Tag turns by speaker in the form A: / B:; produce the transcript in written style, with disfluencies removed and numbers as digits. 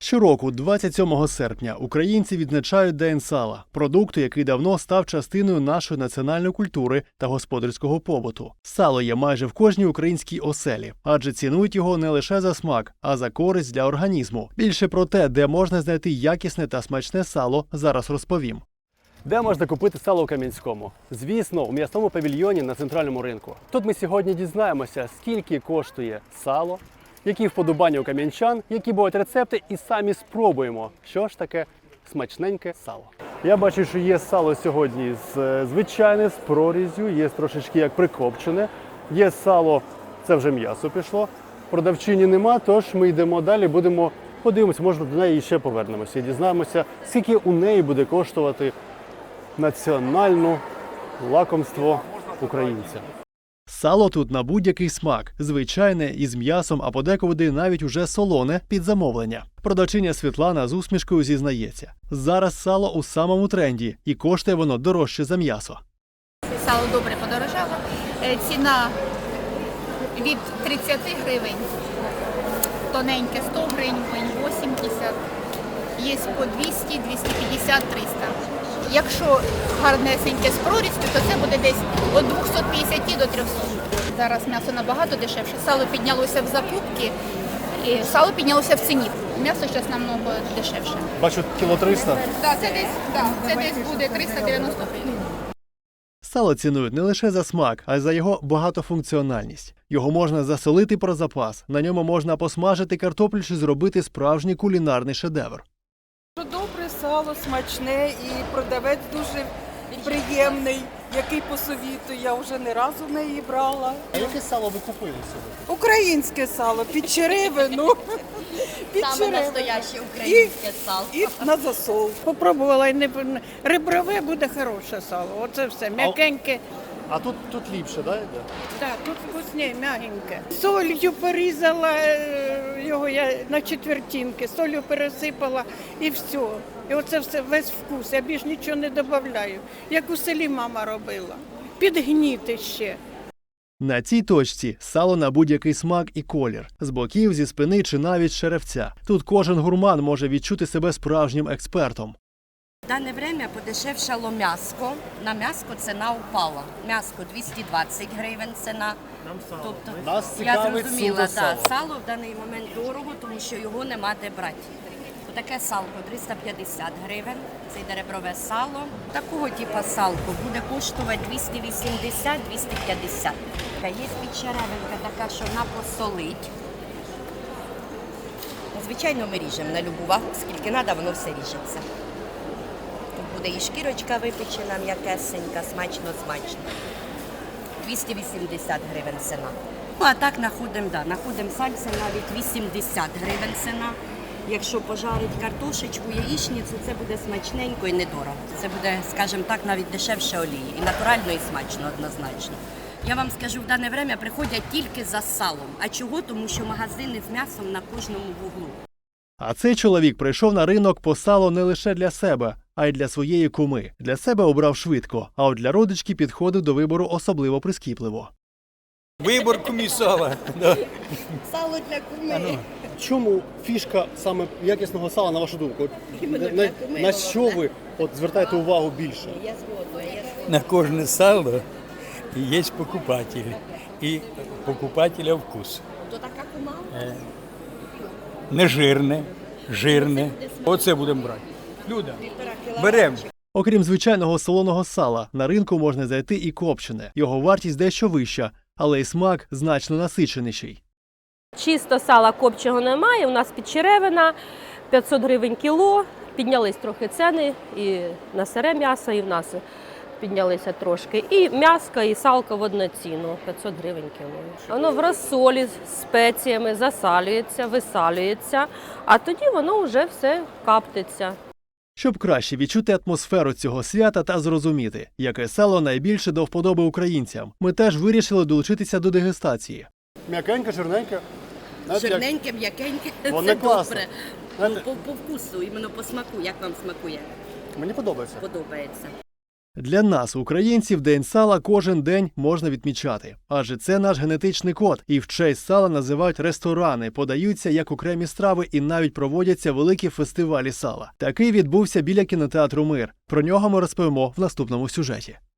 A: Щороку, 27 серпня, українці відзначають День сала – продукту, який давно став частиною нашої національної культури та господарського побуту. Сало є майже в кожній українській оселі, адже цінують його не лише за смак, а за користь для організму. Більше про те, де можна знайти якісне та смачне сало, зараз розповім. Де можна купити сало у Кам'янському? Звісно, у м'ясному павільйоні на центральному ринку. Тут ми сьогодні дізнаємося, скільки коштує сало, які вподобання у кам'янчан, які будуть рецепти, і самі спробуємо, що ж таке смачненьке сало. Я бачу, що є сало сьогодні звичайне, з прорізю, є трошечки як прикопчене, є сало, це вже м'ясо пішло, продавчині нема, тож ми йдемо далі, подивимося, може до неї ще повернемося і дізнаємося, скільки у неї буде коштувати національне лакомство українця. Сало тут на будь-який смак, звичайне, із м'ясом, а подекуди навіть уже солоне під замовлення. Продавчиня Світлана з усмішкою зізнається. Зараз сало у самому тренді і коштує воно дорожче за м'ясо.
B: Сало добре подорожало. Ціна від 30 гривень, тоненьке 100 гривень, 80, є по 200, 250, 300. Якщо гарнесеньке з прорістю, то це буде десь від 250 до 300. Зараз м'ясо набагато дешевше. Сало піднялося в закупці, і сало піднялося в ціні. М'ясо зараз намного дешевше.
A: Бачу, кіло 300?
B: Так, це десь буде 390 гривень.
A: Сало цінують не лише за смак, а й за його багатофункціональність. Його можна засолити про запас, на ньому можна посмажити картоплю чи зробити справжній кулінарний шедевр.
C: Добре сало, смачне і продавець дуже приємний, який посовітує. Я вже не разу в неї брала.
A: А яке сало ви купили сьогодні?
C: Українське сало, під черевину.
D: Саме настояще українське сало.
C: І на засол.
E: Попробувала, реброве буде хороше сало. Оце все, м'якеньке.
A: А тут ліпше, да, йде?
E: Так, тут вкусне, м'ягеньке. Солью порізала його я на четвертинки, солью пересипала і все. І оце все, весь вкус, я більш нічого не додаю. Як у селі мама робила. Підгніти ще.
A: На цій точці сало на будь-який смак і колір. З боків, зі спини чи навіть з черевця. Тут кожен гурман може відчути себе справжнім експертом.
D: В дане время подешевшало м'яско. На м'яско ціна впала. М'яско 220 гривень ціна. Тобто,
A: Нас
D: я
A: цікавить
D: зрозуміла,
A: суто сало.
D: сало в даний момент дорого, тому що його нема де брати. Таке салко 350 гривень, це йде реброве сало. Такого типу салко буде коштувати 280-250. Є підчеревинка така, що вона посолить. Звичайно, ми ріжемо на любу вагу, скільки треба, воно все ріжеться. Тут буде і шкірочка випечена, м'якесенька, смачно-смачно. 280 гривень ціна. Ну, а так знаходимо сальце навіть 80 гривень ціна. Якщо пожарить картошечку, яєчницю, це буде смачненько і недорого. Це буде, скажімо так, навіть дешевше олії. І натурально, і смачно однозначно. Я вам скажу, в дане время приходять тільки за салом. А чого? Тому що магазини з м'ясом на кожному вуглу.
A: А цей чоловік прийшов на ринок по сало не лише для себе, а й для своєї куми. Для себе обрав швидко, а от для родички підходив до вибору особливо прискіпливо.
F: Вибор кумі сала. Да.
D: Сало для куми.
A: Чому фішка саме якісного сала, на вашу думку? На що ви звертаєте увагу більше?
D: Я згодна.
F: На кожне сало є покупатель. І покупателя вкус.
D: То така кума?
F: Не жирне, жирне. Оце будемо брати. Люда, беремо.
A: Окрім звичайного солоного сала, на ринку можна знайти і копчене. Його вартість дещо вища, але й смак значно насиченіший.
G: Чисто сала копченого немає, у нас підчеревина, 500 гривень кіло, піднялись трохи ціни і на сире м'ясо, і в нас піднялися трошки. І м'яско, і салко в одну ціну, 500 гривень кіло. Воно в розсолі з спеціями засалюється, висалюється, а тоді воно вже все каптиться.
A: Щоб краще відчути атмосферу цього свята та зрозуміти, яке сало найбільше до вподоби українцям, ми теж вирішили долучитися до дегустації. М'якеньке, жирненьке.
D: Жирненьке, м'якеньке,
A: Воно
D: це
A: класно.
D: добре. По вкусу, іменно по смаку, як вам смакує?
A: Мені подобається.
D: Подобається.
A: Для нас, українців, День сала кожен день можна відмічати. Адже це наш генетичний код, і в честь сала називають ресторани, подаються як окремі страви і навіть проводяться великі фестивалі сала. Такий відбувся біля кінотеатру «Мир». Про нього ми розповімо в наступному сюжеті.